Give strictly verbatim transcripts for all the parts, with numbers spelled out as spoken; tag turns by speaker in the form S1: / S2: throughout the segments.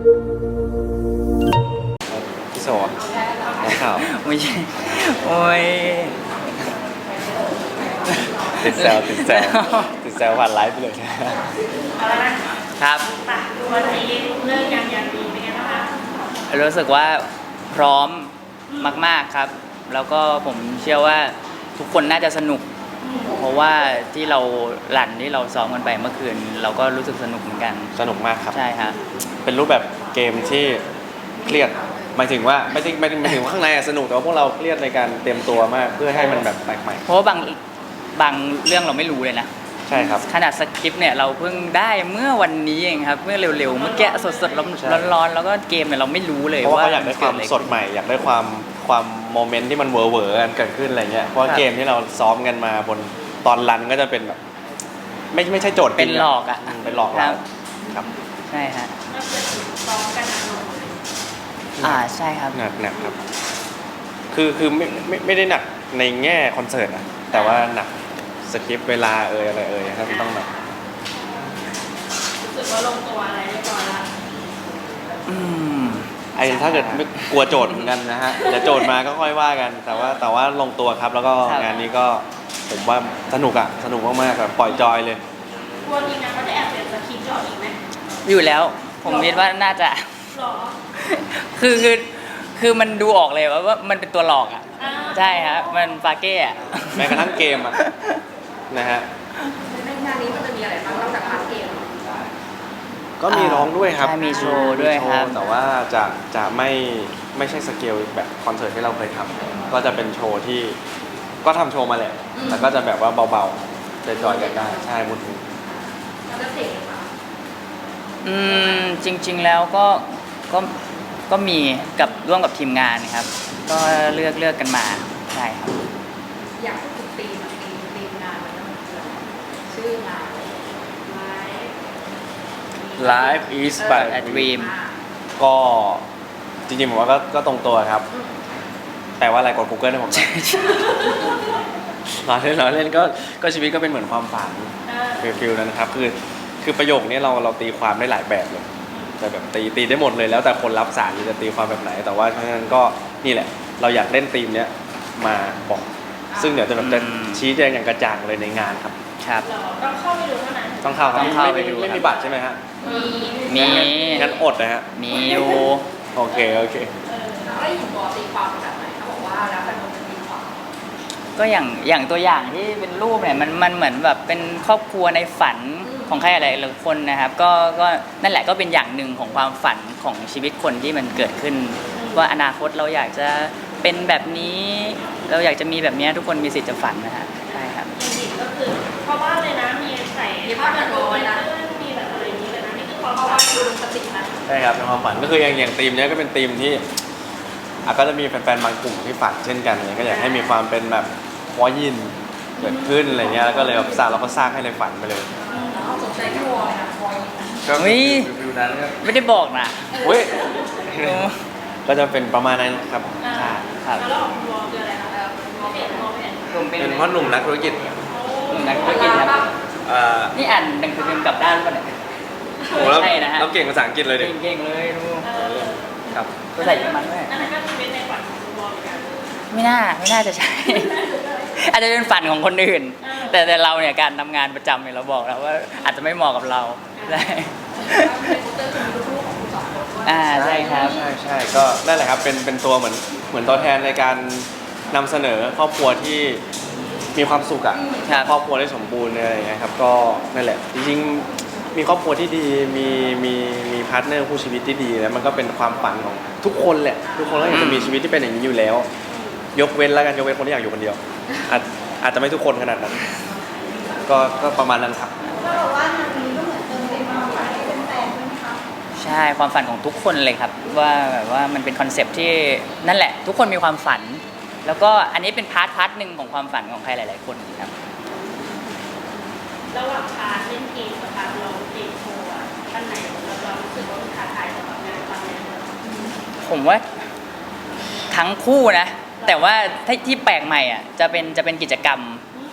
S1: พี่โซนักข่าว
S2: ไม่ใช่โอ้ย
S1: ติดแซวติดแซวติดแซวผ่านไลฟ์ไปเลย
S2: ครับ
S3: วันนี้เลิกงานยามดีเป็นไงบ้างคะ
S2: รู้สึกว่าพร้อมมากๆครับแล้วก็ผมเชื่อว่าทุกคนน่าจะสนุกเพราะว่าที่เราหลั่นที่เราซ้อมกันไปเมื่อคืนเราก็รู้สึกสนุกเหมือนกัน
S1: สนุกมากครับ
S2: ใช่ครับ
S1: เป็นรูปแบบเกมที่เครียดหมายถึงว่าไม่ใช่ไม่ไม่ถึงว่าข้างในสนุกแต่ว่าพวกเราเครียดในการเตรียมตัวมากเพื่อให้มันแบบแปลกใหม่
S2: เพราะว่าบางบางเรื่องเราไม่รู้เลยนะ
S1: ใช่ครับ
S2: ขนาดสคริปต์เนี่ยเราเพิ่งได้เมื่อวันนี้เองครับเมื่อเร็วๆเมื่อกี้สดๆร้อนๆแล้วก็เกมเนี่ยเราไม่รู้เลยว่า
S1: เขาอยากได้ความสดใหม่อยากได้ความความโมเมนต์ที่มันเวอร์เวอร์กันเกิดขึ้นอะไรเงี้ยเพราะเกมที่เราซ้อมกันมาบนตอนรันก็จะเป็นแบบไม่ไม่ใช่โจทย์
S2: เป็นหลอกอ่ะ
S1: เป็นหลอกเราครับ
S2: ใช่ฮะ
S3: ก็คือซ้อมกันหนักหน่วง
S2: อ่าใช่ครับ
S1: หนักหนักครับคือคือไม่ไม่ไม่ได้หนักในแง่คอนเสิร์ตนะแต่ว่าหนักสคริปต์เวลาเอ่ยอะไรเอ่ยครับต้องแบบ
S3: รู้สึกว่าลงตัวอะไรเรียบร้อยละ
S2: อืม
S1: ไอ้ถ้าเกิดไม่กลัวโจทย์เหมือนกันนะฮะเดี๋ยวโจทย์มาก็ค่อยว่ากันแต่ว่าแต่ว่าลงตัวครับแล้วก็งานนี้ก็ผมว่าสนุกอะสนุกมากๆแบบปล่อยจอยเลย
S3: กลัวจริงนะเขาจะแอบเปลี่ยนสคริปต์หรออีกไหม
S2: อยู่แล้วผมคิดว่าน่าจะ
S3: หรอ
S2: คือคือคือมันดูออกเลยว่าว่ามันเป็นตัวหลอกอ่ะใช่ฮะมันฟาเก้อะ
S1: แม้กระทั่งเกมอ่ะนะฮะ
S3: ในงานนี้มันจะมีอะไรบ้างนอกจากพาร์ทเกม
S1: ก็มีร้องด้วยครับ
S2: มีโชว์ด้วยครับ
S1: แต่ว่าจะจะไม่ไม่ใช่สเกลแบบคอนเสิร์ตที่เราเคยทำก็จะเป็นโชว์ที่ก็ทำโชว์มาแหละแต่ก็จะแบบว่าเบาๆจอยๆกันได้ใช่มุด
S3: แล้วก็เพลงค่ะ
S2: อืมจริงๆแล้วก็ก็ก็มีกับร่วมกับทีมงานครับก็เลือกเลือกกันมาใช่ครับ
S3: อยากพูดถึงธีมธีมธีมงานมันต้องชื่องาน
S1: Life is but a dream ก็จริงๆผมว่าก็ก็ตรงตัวครับแต่ว่าอะไรกด Google ให้ผมหน่อยเราเล่นเราเล่นก็ก็ชีวิตก็เป็นเหมือนความฝันฟิลๆนั้นนะครับคือคือประโยคนี้เราเราตีความได้หลายแบบเลยแต่แบบตีตีได้หมดเลยแล้วแต่คนรับสารจะตีความแบบไหนแต่ว่าฉะนั้นก็นี่แหละเราอยากเล่นธีมเนี้ยมาบอกซึ่งเดี๋ยวจะแบบจะชี้แจงอย่างกระจ่างเลยในงานครับ
S2: ครับ
S3: ต้องเข้าไปดูเท่านั้น
S1: ต้องเข้าครับต้องเข้าไปดูไม่มีบัตรใช่ไหมฮะ
S3: มี
S2: มี
S1: งั้นอดนะฮะ
S2: มีอยู่
S1: โอเคโอเค
S3: แล้วไอ้หัวตีความแบบไหนเขาบอกว่าแล้วแต่คนจะตีความ
S2: ก็อย่างอย่างตัวอย่างที่เป็นรูปเนี่ยมันมันเหมือนแบบเป็นครอบครัวในฝันของใครอะไรหลายคนนะครับก็ก็นั่นแหละก็เป็นอย่างหนึ่งของความฝันของชีวิตคนที่มันเกิดขึ้นว่าอนาคตเราอยากจะเป็นแบบนี้เราอยากจะมีแบบนี้ทุกคนมีสิทธิ์จะฝันนะฮะใช่ครับ
S3: จริงๆก็คือเพราะว่าเลยนะมีใส่ผ้ากันร้อนนะมีแบบอะไรนี้เลยนะนี่คือเพราะว่าคือสตินะ
S1: ใช่ครับในความฝันก็คืออย่างอย่างธีมนี้ก็เป็นธีมที่อ่ะก็จะมีแฟนๆบางกลุ่มที่ฝันเช่นกันเนี่ยก็อยากให้มีความเป็นแบบวอยินเกิดขึ้นอะไรเงี้ยแล้วก็เลยแบบสร้างเราก็สร้างให้ในฝันไปเลย
S3: เอาสนใจที่วอลนะวอล
S1: ก็วิวนั้น
S2: ไม่ได้บอกนะ
S1: เว้ยก็จะเป็นประมาณนั้นครับ
S2: ครับ
S3: แล้วของวอลคืออะไรคะวอลเป็นวอลเป็น
S1: เป็นเพราะหนุ่มนักธุรกิจ
S2: หนุ่มนักธุรกิจครับนี่อ่านหนังสือพิมพ์กลับด้านป่ะเนี่ย
S1: ใช่นะฮะเราเก่งภาษาอังกฤษเลยดิ
S2: เก่งเลยดู
S1: ครับ
S2: ก็ใส่เยอรมันด้วย
S3: นั่นก็เป็นในฝันของวอลกัน
S2: ไม่น่าไม่น่าจะใช่อาจจะเป็นฝันของคนอื่นแต่แต่เราเนี่ยการทำงานประจำเนี่ยเราบอกแล้วว่าอาจจะไม่เหมาะกับเราใช่อ่าใช่ครับ
S1: ใช่ใช่ก็นั่นแหละครับเป็นเป็นตัวเหมือนเหมือนตัวแทนในการนำเสนอครอบครัวที่มีความสุขอ่ะครอบครัวที่สมบูรณ์อะไรอย่างเงี้ยครับก็นั่นแหละจริงๆมีครอบครัวที่ดีมีมีมีพาร์ทเนอร์คู่ชีวิตที่ดีแล้วมันก็เป็นความฝันของทุกคนแหละทุกคนก็อยากจะมีชีวิตที่เป็นอย่างนี้อยู่แล้วยกเว้นแล้วกันยกเว้นคนที่อยากอยู่คนเดียวอาจอาจจะไม่ทุกคนขนาดนั้นก็ก็ประมาณนั้นครับ
S3: ก็บอกว่างานนี้ก็เหมือนเติมเต็มความฝันให้เป็นแฟนใช่ไหมคะ
S2: ใช่ความฝันของทุกคนเลยครับว่าแบบว่ามันเป็นคอนเซปต์ที่นั่นแหละทุกคนมีความฝันแล้วก็อันนี้เป็นพาร์ทพาร์ทหนึ่งของความฝันของใครหลายๆคนครับ
S3: ระหว่างพาร์ทเล่นเกมกับพาร์ทร้องเพลงโชว์ท่านไหนเราเรารู้สึกว่ามันท้าทายสำหรับงานครั้งนี้
S2: ผมว่าทั้งคู่นะแต่ว่าที่แปลกใหม่อ่ะจะเป็นจะเป็นกิจกรรม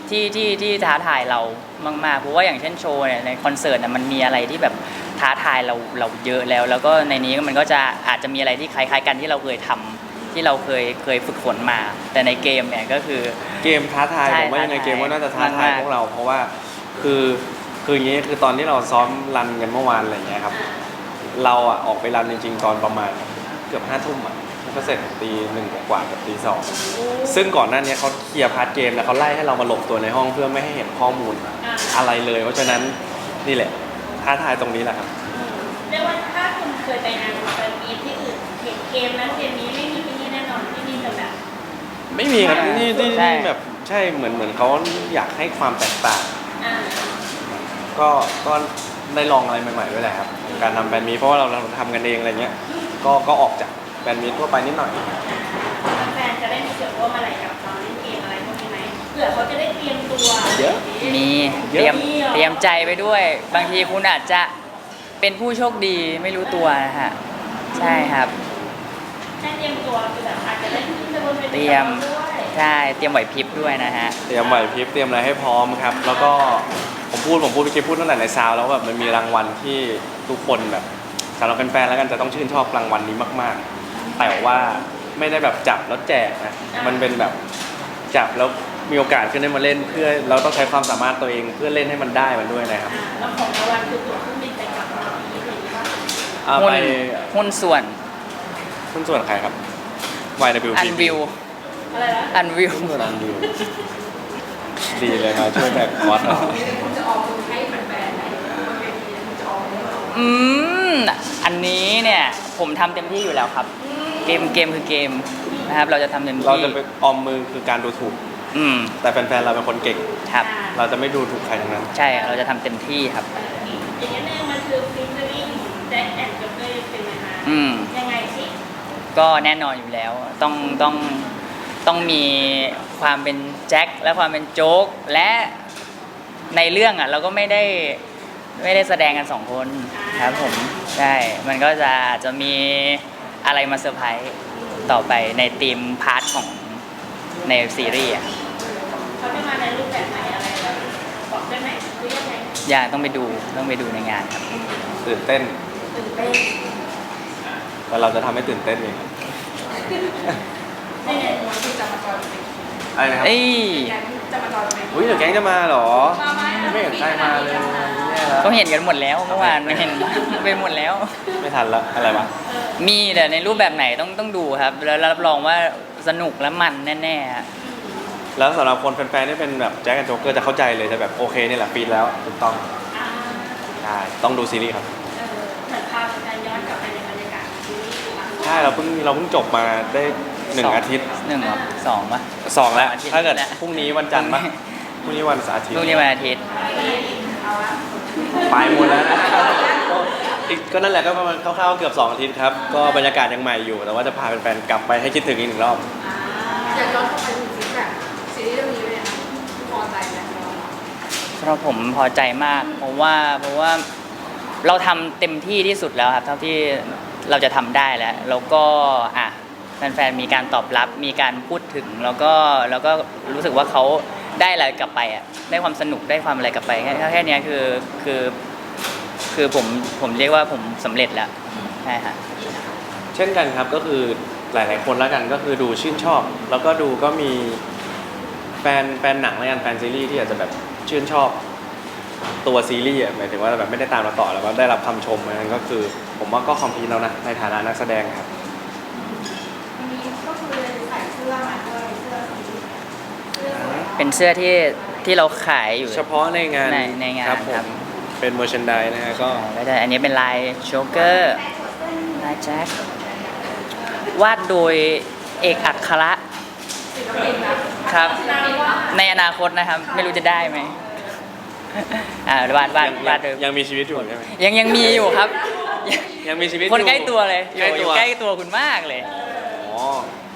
S2: ที่ที่ที่ท้าทายเรามากๆเพราะว่าอย่างเช่นโชว์เนี่ยในคอนเสิร์ตน่ะมันมีอะไรที่แบบท้าทายเราเราเยอะแล้ว แล้วก็ในนี้มันก็จะอาจจะมีอะไรที่คล้ายๆกันที่เราเคยทำที่เราเคยเคยฝึกฝนมา แต่ในเกมเนี่ยก็คือ
S1: เกมท้าทาย
S2: ใช่
S1: ผมว่ายังไง
S2: ท้าทาย
S1: เกมก็น่าจะท้าทาย
S2: มากๆ
S1: พวกเรา เพราะว่าคือคืออย่างนี้คือตอนที่เราซ้อมรันกันเมื่อวานอะไรอย่างเงี้ยครับเราอ่ะออกไปรันจริงๆตอนประมาณเกือบห้าทุ่มอ่ะแล้วก็เสร็จตีหนึ่งกว่ากับตีสองซึ่งก่อนหน้านี้เขาเคลียร์พาร์ทเกมแล้วเขาไล่ให้เรามาหลบตัวในห้องเพื่อไม่ให้เห็นข้อมูลอะไรเลย เพราะฉะนั้นนี่แหละท้าทายตรงนี้แหละครับ
S3: เรียกว่าถ้าคุณเคยไปงานแฟนมีตที่อื่นเห็นเกมนั้นเกมนี้ไม่มีที่นี่แน่นอนที่นี่จะแบบ
S1: ไม่มีครับนี่ที่
S2: ใช่
S1: นี่แบบใช่เหมือนเหมือนเขาอยากให้ความแตกต่าง
S3: อ่า
S1: ก็ก็ได้ลองอะไรใหม่ๆด้วยแหละครับการทำแบรนด์มีเพราะว่าเราทำกันเองอะไรเงี้ยก็ก็ออกจากแบรนด์มีทั่วไปนิดหน่อย
S3: แฟนจะได้มีส่วนร่วมอะไรกับตอนเล่นเกมอะไรพวกนี้ไหมเผื่อเขาจะได้เตรียมตัว
S1: เยอะ
S2: มีเต
S1: เยอะ
S2: รียมเตรียมใจไปด้วย บางทีคุณอาจจะเป็นผู้โชคดีไม่รู้ตัวนะฮะใช่ครับ
S3: แค่เตรียมตัวคือแบบอาจจะได้ขึ้นไปบนเว
S2: เต
S3: ที
S2: รียม
S3: ด้วย
S2: ใช่เตรียมไหวพริบด้วยนะฮะ
S1: เตรียมไหวพริบเตรียมอะไรให้พร้อมครับ แล้วก็ผมพูดผมพูดเมื่อกี้พูดตั้งแต่ในซาวแล้วแบบมันมีรางวัลที่ทุกคนแบบสำหรับแฟนๆแล้วกันจะต้องชื่นชอบรางวัลนี้มากๆ แต่ว่าไม่ได้แบบจับแล้วแจกนะมันเป็นแบบจับแล้วมีโอกาสขึ้นได้มาเล่นเพื่อเราต้องใช้ความสามารถตัวเองเพื่อเล่นให้มันได้มันด้วยนะครับ
S3: อ่าแล้วของรางวัลคือตั๋วเครื่องบินไปกลับมาที่อะไรอย่างเงี้ย
S1: เอา
S2: หุ้
S1: ไป
S2: นหุ้นส่วน
S1: หุ้นส่วนใครครับ วาย ดับเบิลยู
S2: อั
S1: พี
S2: นวิว
S3: อะไรนะ
S2: อันวิว
S1: หุ้นส่วนอันวิวดีเลยมาช่วยแบกคอร์สหน่อย
S3: คุณจะออกคุณให้แฟนๆไหนบนเวทีคุณจะออกไหม
S2: อืมอันนี้เนี่ยผมทำเต็มที่อยู่แล้วครับ เกมเกมคือเกมนะครับ เราจะทำเต็มที่
S1: เราจะไปออมมือคือการดูถูก
S2: อืม
S1: แต่แฟนๆเราเป็นคนเก่ง
S2: ครับ
S1: เราจะไม่ดูถูกใครทั้งนั้น
S2: ใช่เราจะทำเต็มที่ครับ
S3: อีกนิดนึงมันคือฟิชเชอริ่งแจ็คแอนด์จ็อกเกอร์เป็นไหมคะ
S2: อืม
S3: ยังไงสิ
S2: ก็แน่นอนอยู่แล้ว ต้องต้องต้องมีความเป็นแจ็คและความเป็นโจ๊กและในเรื่องอ่ะเราก็ไม่ได้ไม่ได้แสดงกันสองคนครับผมใช่มันก็จะอาจจะมีอะไรมาเซอร์ไพรส์ต่อไปในทีมพาร์ทของในซีรีส์อะ
S3: เขาจะมาในรูปแบบไหนอะไรแบบบอกได้ไหมหรือยังไง
S2: อย่าต้องไปดูต้องไปดูในงานครับ
S1: ตื่นเต้น
S3: ตื่นเต้น
S1: แต่เราจะทำให้ตื่นเต้นเองครับ
S3: ในในวันที่จะมาจอยเป็น
S1: อะไรนะครับ
S2: เอ้ย
S3: แก๊งจะมาจอยเป็น
S1: อุ้ยเดี๋ยวแก๊งจะมาเหรอ
S3: มาไหม
S1: ไม่เห็นใครมาเลยแย่แล้ว
S2: เขาเห็นกันหมดแล้วเมื่อวานเห็นไปหมดแล้ว
S1: ไม่ทันละอะไรวะ
S2: มีแต่ในรูปแบบไหนต้องต้องดูครับ แล้วรับรองว่าสนุกและมันแน่ๆฮะ
S1: แล้วสำหรับคนแฟนๆที่เป็นแบบแจ็คแอนด์โจ๊กเกอร์จะเข้าใจเลยจะแบบโอเคนี่แหละฟีดแล้วถูกต้อง
S3: อ่า
S1: ใช่ต้องดูซีรีส์ครับ
S3: เออเหมือนพาแฟนย้อนกลับไปในบรรยากาศซีรีส์ค่ะ
S1: ใช่เราเพิ่งเราเพิ่งจบมาได้หนึ่ง
S2: สอง
S1: อาทิตย์
S2: หนึ่งเหรอสองปะ
S1: สองแล้ว
S2: อาทิตย์
S1: ถ้าเกิด
S2: แล้ว
S1: พรุ่งนี้วันจันทร์ปะพรุ่งนี้วันอาทิตย์
S2: ลูกนี้วันอาทิตย์
S3: เอาละ
S1: ไปหมดแล้วนะอีกก็นั่นแหละก็ประมาณคร่าวๆเกือบสองอาทิตย์ครับก็บรรยากาศยังใหม่อยู่ แต่ว่าจะพาแฟนๆกลับไปให้คิดถึงอีกหนึ่งรอบ
S4: อยากย้อนกลับไปถึงฟีดแบ็กซีรีส์เรื่องนี้เลยนะพอใจไหม
S2: สำหรับผมพอใจมากเพราะว่าเพราะว่าเราทำเต็มที่ที่สุดแล้วครับเท่าที่เราจะทำได้แล้วแล้วก็อ่ะแฟนๆมีการตอบรับมีการพูดถึงแล้วก็แล้วก็รู้สึกว่าเขาได้อะไรกลับไปอ่ะได้ความสนุกได้ความอะไรกลับไปแค่แค่เนี้ยคือคือคือผมผมเรียกว่าผมสำเร็จแล้วใช่ฮะ
S1: เช่นกันครับก็คือหลาย ๆ คนแล้วกันก็คือดูชื่นชอบ แล้วก็ดูก็มีแฟนแฟนหนังแล้วกันแฟนซีรีส์ที่อาจจะแบบชื่นชอบตัวซีรีส์อะหมายถึงว่าแบบไม่ได้ตามเราต่อแล้วก็ได้รับคำชมนั้นก็คือ ผมว่าก็คอมพลีทแล้วนะในฐานะนักแสดงครับ
S4: วันนี้ก็คือใส่เสื้อมาด้วยเสื้อสีเสื้อสวย
S2: เป็นเสื้อที่ที่เราขายอยู่
S1: เฉพาะในงาน
S2: ในในงาน
S1: ครับผ
S2: ครั
S1: ม
S2: บ
S1: เป็นเมอร์ชันไดนะฮะก็
S2: ก็จะอันนี้เป็นลายโชเกอร์ลายแจ็ควาดโดยเอกอัคระ
S4: ศิลปินนะครับ
S3: นามว่า
S2: ในอนาคตนะครับ ไม่รู้จะได้ไหมอ่าวาดวาด
S1: ยัง
S2: วาดโดย
S1: ยังมีชีวิตอยู่ใช่ไหม
S2: ยังยังมีอยู่ครับ
S1: ยังมีชีวิต
S2: คน
S1: อยู่
S2: ใกล้ตัวเลยอ
S1: ใกล้
S2: ยู่อ
S1: ตั
S2: ยู่
S1: ว
S2: ใกล้ตัวคุณมากเลย
S1: อ๋อ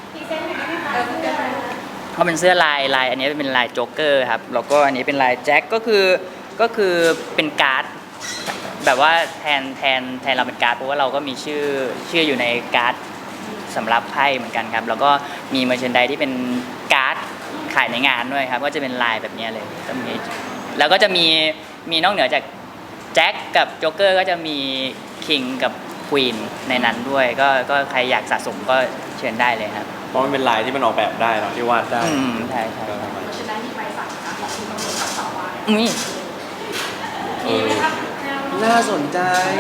S2: เขาเป็นเสื้อลายลายอันนี้เป็นลายโจ๊กเกอร์ครับแล้วก็อันนี้เป็นลายแจ็คก็คือก็คือเป็นการ์ดแบบว่าแทนแทนแทนเราเป็นการ์ดเพราะว่าเราก็มีชื่อชื่ออยู่ในการ์ดสำหรับไพ่เหมือนกันครับแล้วก็มีเมอร์เชนไดที่เป็นการ์ดขถ่ายในงานด้วยครับก็จะเป็นลายแบบเนี้ยเลยก็มีแล้วก็จะมีมีนอกเหนือจากแจ็คกับโจ๊กเกอร์ก็จะมีคิงกับควีนในนั้นด้วย ก็ก็ใครอยากสะสมก็เชิญได้เลยครับ
S1: เพราะมันเป็นลายที่มันออกแบบได้เนาะที่วาดได้
S2: อืมใช่ใช่
S1: ก็ประมาณ
S4: จะได้ที่ไปสั่งนะของคุณตำรวจกับสาววาย
S2: อุ้ย
S1: เอ
S3: มี
S1: อ
S3: ไหมครับแนวโน้ม
S1: น่าสนใจ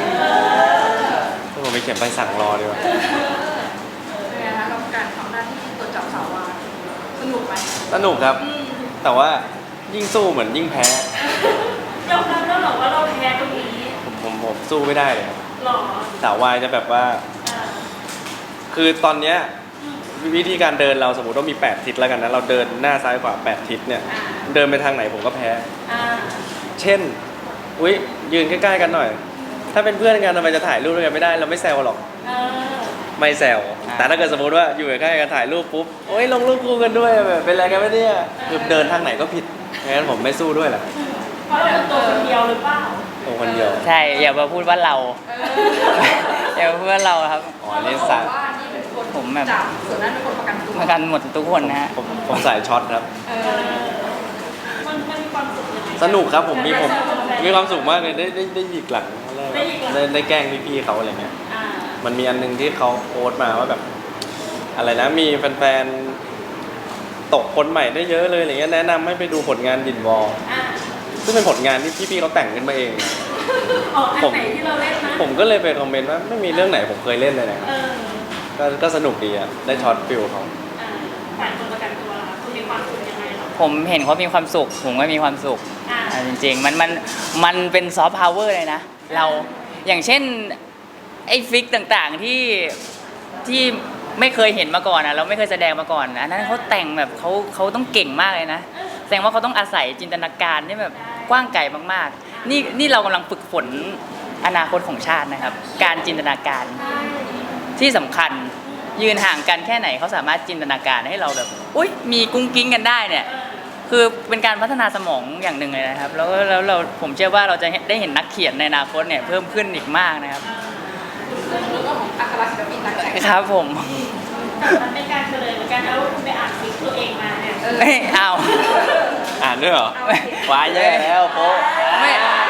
S1: ผมไปเขียนใบสั่งรอดีกว่า
S4: เป็นไงคะกับการทำหน้าที่ตรวจจับสาววายสนุกไหม
S1: สนุกครับ แต่ว่ายิ่งสู้เหมือนยิ่งแพ้
S3: ยอมรับแล้วเหรอว่าเราแพ้ตรงนี้
S1: ผมผมผมสู้ไม่ได้เลยครับ
S3: หรอ
S1: สาววายจะแบบว่า
S3: อ่า
S1: คือตอนเนี้ยวิธีการเดินเราสมมติว่ามีแปดทิศแล้วกันนะเราเดินหน้าซ้ายขวาแปดทิศเนี่ย
S3: อ่า
S1: เดินไปทางไหนผมก็แพ้
S3: อ่า
S1: เช่นอุ้ยยืนใกล้ๆกันหน่อย ถ้าเป็นเพื่อนกันทำไมจะถ่ายรูปด้วยกันไม่ได้เราไม่แซวหรอก
S3: เออ
S1: ไม่แซวแต่ถ้าเกิดสมมติว่าอยู่ใกล้ๆกันถ่ายรูปปุ๊บโอ้ยลงรูปคู่กันด้วยแบบเป็นอะไรกันไม่เนี่ยคือเดินทางไหนก็ผิดงั้นผมไม่สู้ด้วยแหละ
S3: เพราะเราเป็นตัวคนเดียวหรือเปล่า
S1: ตัวคนเดียว
S2: ใช่อย่ามาพูดว่าเรา อย่ามาพูดว่าเราครับ
S1: อ๋อนี่
S4: บอ
S1: สาย
S4: กว่านี่เป็นคน
S2: ผมแบบ
S4: จับส่วนนั้นเป็นคนประกันตัว
S2: เหมือนกันหมดทุกคนนะฮะ
S1: ผมผมสายช็อตครับ
S4: เอ
S3: เอ
S4: อ
S3: อมันมันมีความสุขยังไง
S1: สนุกครับผมมีผม
S3: ได้
S1: มีความสุขมากเลยได้ได้ได้หยิกหลังเขาเรียกว่า
S3: ได้หยิกหลัง
S1: ได้ได้แกล้งพี่ๆเขาอะไรเงี้ย
S3: อ่า
S1: มันมีอันหนึงที่เขาโพสต์มาว่าแบบ อะไรนะมีแฟนๆตกคนใหม่ได้เยอะเลยอะไรเงี้ยแนะนำให้ไปดูผลงานดินวอล
S3: อ่า
S1: ซึ่งเป็นผลงานที่พี่ๆเขาแต่งขึ้นมาเอง
S3: ออกอัน
S1: ผม
S3: ไหนที่เราเล่นนะ
S1: ผมก็เลยไปคอมเมนต์ว่าไม่มีเรื่องไหนผมเคยเล่นเลยนะครับ
S3: เออ
S1: ก็ก็สนุกดีอะได้ช็อตฟิลเขา
S3: อ่าฝ่ายคนประกันตัวล่ะคุณมีความสุขยังไงเหรอ
S2: ผมเห็นเขามีความสุข ผมก็มีความสุข
S3: อ่า
S2: อ่าจริงๆมันมันมันเป็นซอฟต์พาวเวอร์เลยนะ เราอย่างเช่นไอ้ฟิกต่างๆที่ที่ไม่เคยเห็นมาก่อนนะเราไม่เคยแสดงมาก่อนอันนั้นเขาแต่งแบบเขาเขาต้องเก่งมากเลยนะแสดงว่าเขาต้องอาศัยจินตนาการที่แบบกว้างไกลมากๆ นี่นี่เรากำลังฝึกฝนอนาคตของชาตินะครับ การจินตนาการ
S3: ใช่
S2: ที่สำคัญยืนห่างกันแค่ไหนเขาสามารถจินตนาการให้เราแบบอุ้ยมีกุ้งกิ้งกันได้เนี่ย คือเป็นการพัฒนาสมองอย่างหนึ่งเลยนะครับ แล้วก็แล้วเราผมเชื่อว่าเราจะได้เห็นนักเขียนในอนาคตเนี่ยเพิ่มขึ้นอีกมากนะครับ
S4: เรื่องของอัครศิลปินนักแต่ง
S2: ครับผม
S3: แต่มันเป็นการเฉลยเหมือนกันนะว่าคุณไปอ่านฟิกตัวเองมาเนี่ย
S2: เอ้ยเอา
S1: อ่านด้วยเหรอว้ายแย่แล้วโป๊ะ
S2: ไม่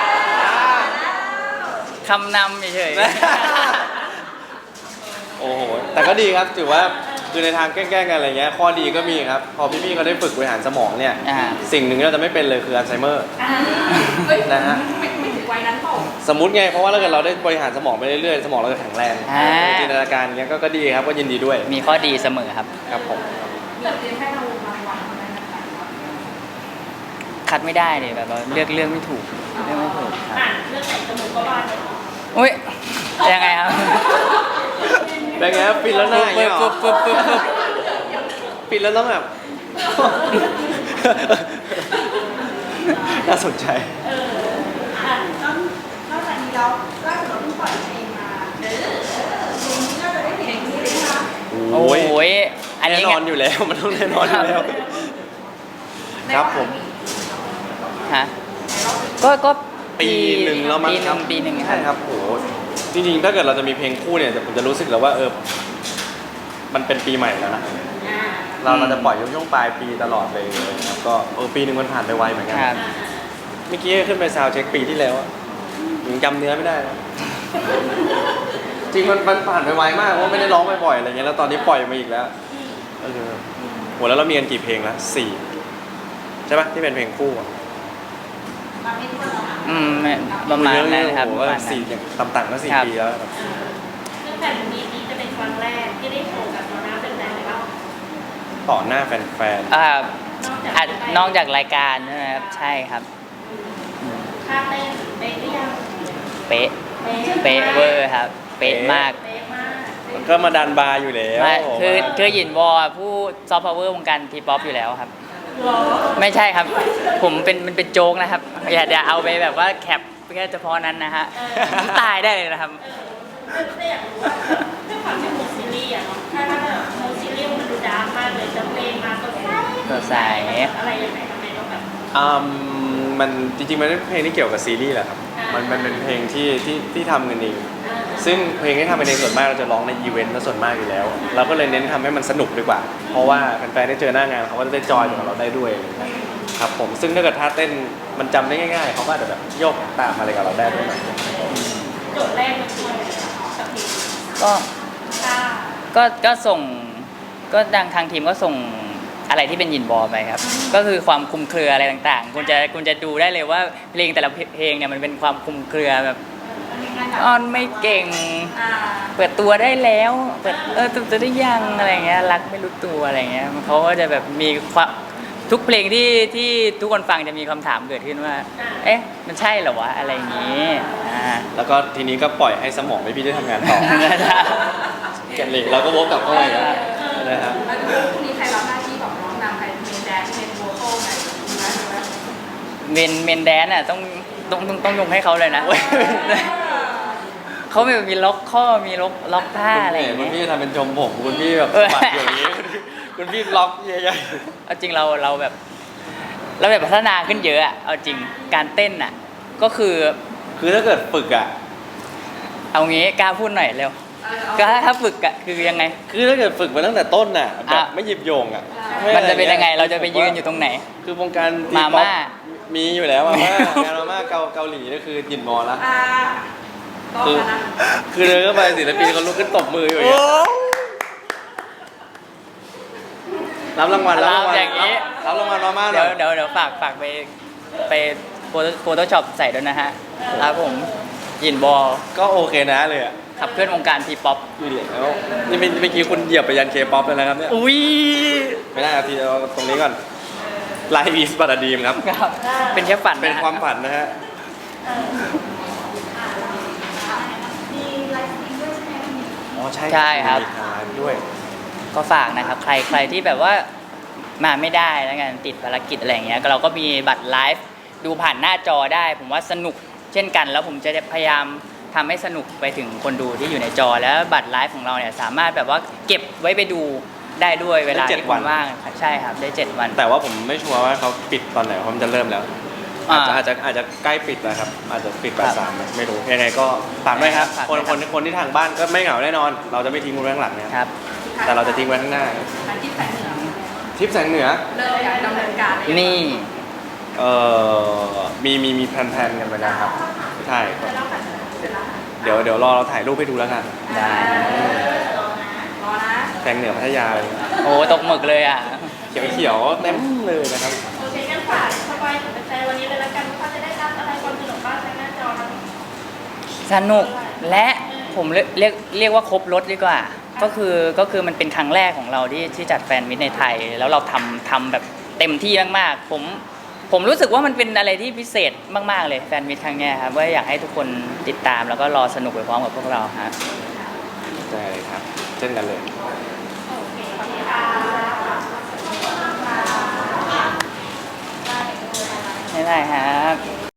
S2: คำนำเฉย
S1: โอ้โหแต่ก็ดีครับถือว่าคือในทางแกล้งๆกันอะไรเงี้ยข้อดีก็มีครับ พอพี่ๆเขาได้ฝึกบริหารสมองเนี่ย
S2: ๆอ่า
S1: สิ่งหนึ่งที่เราจะไม่เป็นเลยคืออัลไซเมอร์
S3: อ่า
S4: เฮ้ย
S1: นะฮะ
S4: ไม่ไม่ถึงวัยนั้นเปล่า
S1: สมมติไงเพราะว่าถ้าเกิดเราได้บริหารสมองไปเรื่อยๆสมองเราจะแข็งแรง
S2: อ่า
S1: จินตนาการเงี้ยก็ก็ดีครับก็ยินดีด้วย
S2: มีข้อดีเสมอครับ
S1: ครับผม
S4: มีเพียงแค่เรารางวัลเท่านั้นนะคะ
S2: คัดไม่ได้เลยแบบเราเลือกเรื่องไม่ถูกเลือกไม่ถูกครับ
S3: อ่านเรื่องไหนจมูกก็บานเลย
S2: อุ้ยยังไงครับ
S1: เป็นไงครับปิดแล้วหน้าอย่างเงี้ยเหรอ
S2: ปึ๊บปึ๊บปึ๊บปึ๊บ
S1: ปิดแล้วต้องแบบ น่าสนใจ
S3: เอออ่ะ
S4: นอกนอกจากนี้แล้วล่าสุดเราเพิ่งปล่อยเพลงมาเออเพลงนี้น่าจะได้เห็นนี้เลยนะคะ
S2: โอ้ยอัน
S1: แน่
S2: นี้
S1: นอนอยู่แล้ว มันต้องแน่นอนอยู่แล้ว ครับผม
S2: ฮะก็ก็
S1: ปีหนึ่งแล้วมั้ง
S2: ปีห
S1: ครั
S2: นึ่
S1: บ
S2: งปีหนึ่งค
S1: ใช่
S2: รับ
S1: ครับโหจริงๆ ถ้าเกิดเราจะมีเพลงคู่เนี่ยผมจะรู้สึกแล้วว่าเออมันเป็นปีใหม่แล้วนะ
S3: อ่า
S1: เราเราจะปล่อยช่วงปลายปีตลอดเลยครับก็เออปีหนึ่งมันผ่านไปไวเหมือนกัน
S2: ครับ
S1: เมื่อกี้ขึ้นไปซาวด์เช็คปีที่แล้วอะยังจำเนื้อไม่ได้เลยจริงมันมันผ่านไปไวมากเพราะไม่ได้ร้องบ่อยๆอะไรเงี้ยแล้วตอนนี้ปล่อยมาอีกแล้วเออโหแล้วเรามีกันกี่เพลงแล้วสี่ใช่ปะที่เป็นเพลงคู่อะ
S4: มาไม่ทั่วแล้วค่ะ
S2: อืมประมาณนั้นครับ
S1: โอ้
S2: ป
S1: โห
S2: ระมาณนั้
S1: สี่
S2: น
S1: อย่างต่ำๆก็สี่
S2: ครับ
S1: ปีแล้วครับ
S3: ซึ่งแฟนมีนี้จะเป็นครั้งแรกที่ได้โชว์กับตอนหน้าเป็นแฟนเลยเปล่า
S1: ต่อหน้าแฟน
S2: อ่าน
S3: อกจาก
S2: อ่ะนอกจากรายการใช่ไหมครับใช่ครับ
S3: ท่าเต้นเป๊ะหรือยัง
S2: เป๊ะเป๊ะเวอร์ครับ เป๊ะมาก
S3: เป๊ะมาก
S1: ๆก็มาดันบาร์อยู่แล้ว
S2: ไม่คือ
S1: มา
S2: คือหยินวอลผู้ซอฟต์พาวเวอร์วงการทีป๊อปอยู่แล้วครับ
S3: หรอ
S2: ไม่ใช่ครับ ผมเป็นมันเป็นโจ๊กนะครับ อย่าอย่าเอาไปแบบว่าแคปแค่เฉพาะนั้นนะฮะผมตายได้เลยนะครับ
S3: แต่อยากรู้ว่าด้วยความที่มูซีรีส์อะเนาะถ้าถ้าแบบมูซีรีส์มันดูดาร์กมากเลยจะเพลงมาสดใส
S2: สดใส
S3: อะไรยังไงทำไมต้องแบบ
S1: อืมมันจริงๆมันเป็นเพลงที่เกี่ยวกับซีรีส์แหละครับ
S3: อ่ามั
S1: มันมันเป็นเพลงที่ที่ที่ทำกันเอง
S3: อ่า
S1: ซึ่งเพลงที่ทำเป็นเองส่วนมากเราจะร้องในอีเวนต์ซะส่วนมากอยู่แล้ว เราก็เลยเน้นทำให้มันสนุกดีกว่า เพราะว่าแฟนๆได้เจอหน้างานเขาก็จะได้จอยกับเราได้ด้วยอะไรอย่างเงี้ยครับผมซึ่งถ้าเกิดท่าเต้นมันจำได้ง่ายๆเขาก็อาจจะแบบโยกตามอะไรกับเราได้ด้วยหน่อย
S3: โจทย์แรกมันคืออะไรคะกับเพลง
S2: ก็
S3: ค่ะ
S2: ก็ก็ส่งก็ดังทางทีมก็ส่งอะไรที่เป็นยินบอลไปครับ ก็คือความคลุมเครืออะไรต่างๆ คุณจะคุณจะดูได้เลยว่าเพลงแต่ละเพลงเนี่ยมันเป็นความคลุมเครือแบบอ้อนไม่เก่ง
S4: อ่า
S2: เปิดตัวได้แล้วเปิดเออตัวตัวได้ยังอะไรเงี้ยรักไม่รู้ตัวอะไรเงี้ยเขาก็จะแบบมีความทุกเพลงที่ที่ทุกคนฟังจะมีคำถามเกิดขึ้นว่า เอ๊ะมันใช่เหรอวะอะไรอย่างงี้อ่า
S1: แล้วก็ทีนี้ก็ปล่อยให้สมองไม่พี่ได้ทำงานต่อ แกนเหล็กเราก็วกกลับเข้าไปนะครับ
S4: แล้วดูพรุ่งนี้ใครรับหน้าที่ของน้องนำใครเมนแดนเมนโวคอลไหนดูนะดูนะ
S2: เมนเมนแดนอ่ะต้องต้องต้องต้องยกให้เขาเลยนะ เขาแบบมีล็อกข้อมีล็อกล็อกท่าอะไรอย่าง
S1: คุณ
S2: เงี้ย
S1: พี่ทำเป็นชมผมคุณพี่แบบ
S2: เออ
S1: ปัดอยู่อย่างนี้คุณพี่ล็อกใหญ่
S2: เอาจริงเราเราแบบ เราแบบพัฒนาขึ้นเยอะอะเอาจริงการเต้นอ่ะ ก็คือ
S1: ๆคือถ้าเกิดฝึกอ่ะ
S2: เอางี้กล้าพูดหน่อยเร็ว
S4: เออเอา
S2: ก็ถ้าฝึกอ่ะคือยังไง
S1: คือถ้าเกิดฝึกมาตั้งแต่ต้นน่ะแบบ
S2: อ่ะ
S1: ไม่หยิบโยงอ่ะ
S2: มันจะเป็นยังไงเราจะไปยืนอยู่ตรงไหน
S1: คือวงการที
S2: มา
S1: ป๊อป
S2: ม่า
S1: มีอยู่แล้วมาม่างานมาม่าเกาเกาหลีนี่คือหยินมอละ
S4: อ่าต้อง
S1: คือ
S4: แล้วนะ
S1: คือเดินเข้าไปศิลปินเขาลุกขึ้นตบมืออยู่อย่างเงี้ยรับรางวัลรับรางวัล
S2: อย่างนี้
S1: รับรางวัลมาม่าห
S2: เดี๋
S1: น่
S2: ย
S1: อ
S2: วย เดี๋ยวเดี๋ยวฝากฝากไปไปโฟโต้ช็อปใส่ด้วยนะฮะครับผมยินบอล
S1: ก็โอเคนะเลยอ่ะ
S2: ขับเคลื่อนวงการทีป๊อป
S1: อยู่ดีแล้วนี่เมื่อกี้คุณเหยียบไปยันเคป๊อปเลยนะครับเนี่ย
S2: อุ้ย
S1: ไม่ได้ครับพี่เอาตรงนี้ก่อนไลฟ์อีสบัตดีมครับ
S2: ครับเป็นแค่ฝันนะ
S1: เป็นความฝันนะฮะ
S4: มีไลฟ์สตรีมด้วยใช่ไหมวันนี้
S1: อ๋อใช่
S2: ใช่ครับ
S1: มีทางไลฟ์ด้วย
S2: ก็ฝากนะครับ ใครใครที่แบบว่ามาไม่ได้แล้วกันติดภารกิจอะไรอย่างเงี้ยก็เราก็มีบัตรไลฟ์ดูผ่านหน้าจอได้ ผมว่าสนุกเช่นกัน แล้วผมจะพยายามทำให้สนุกไปถึงคนดูที่อยู่ในจอ แล้วบัตรไลฟ์ของเราเนี่ยสามารถแบบว่าเก็บไว้ไปดูได้ด้วยเวลา
S1: ได้เจ็ด
S2: ที่
S1: วั
S2: คุ
S1: น
S2: ณว่างครับใช่ครับได้เจ็ดวัน
S1: แต่ว่าผมไม่ชัวร์ว่าเขาปิดตอนไหนเพราะมันจะเริ่มแล้ว อาจจะ
S2: อ่า
S1: อาจจะอาจจะใกล้ปิดแล้วครับ อาจจะปิด
S2: ครั
S1: บ่าย
S2: บ
S1: สามไม่รู้ยังไงก็ฝากด้วยครับ
S2: ฝาก
S1: ค
S2: ด้
S1: น
S2: วย
S1: คน
S2: ครับ
S1: คนที่ทางบ้านก็ไม่เหงาแน่นอน เราจะไม่ทิ้งคุณไว้ข้างหลังนะครับ
S2: ครับ
S1: แต่เราจะทิ้งไว้ข้างหน้า
S4: อาทิตย์แสงเหนือ
S1: ทริปแสงเหนือ
S4: เริ่มการดำเนินการเลย
S2: นี่
S1: เอ่อมีมีมีแพลนๆกันไปแล้วครับใช่ครับ
S4: เสร็จแล้ว
S1: เดี๋ยวเดี๋ยวรอเราถ่ายรูปให้ดูแล้วกัน
S2: ได้
S4: รอนะ
S1: แสงเหนือพัทยาเลย
S2: โอ้ตกหมึกเลยอ่ะ
S1: เขียวเขียวๆเต็มเลยนะครับ
S3: โอเคงั้นฝากสบายถึงแฟนวันนี้เลยแล้วกันว่าเขาจะได้รับอะไรความสนุกบ้างทางหน้าจอแล้ว
S2: สนุกและผมเรียกเรียกเรียกว่าครบรถดีกว่า ก็คือก็คือมันเป็นครั้งแรกของเราที่ที่จัดแฟนมิตในไทย แล้วเราทำทำแบบเต็มที่มากๆผมผมรู้สึกว่ามันเป็นอะไรที่พิเศษมากๆเลยแฟนมิตครั้งเนี้ยครับว่าอยากให้ทุกคนติดตามแล้วก็รอสนุกไปพร้อมกับพวกเราครับ
S1: ใช่ครับเช่นกันเลย
S3: โอเคค่ะ
S2: ไม่ได้ครับ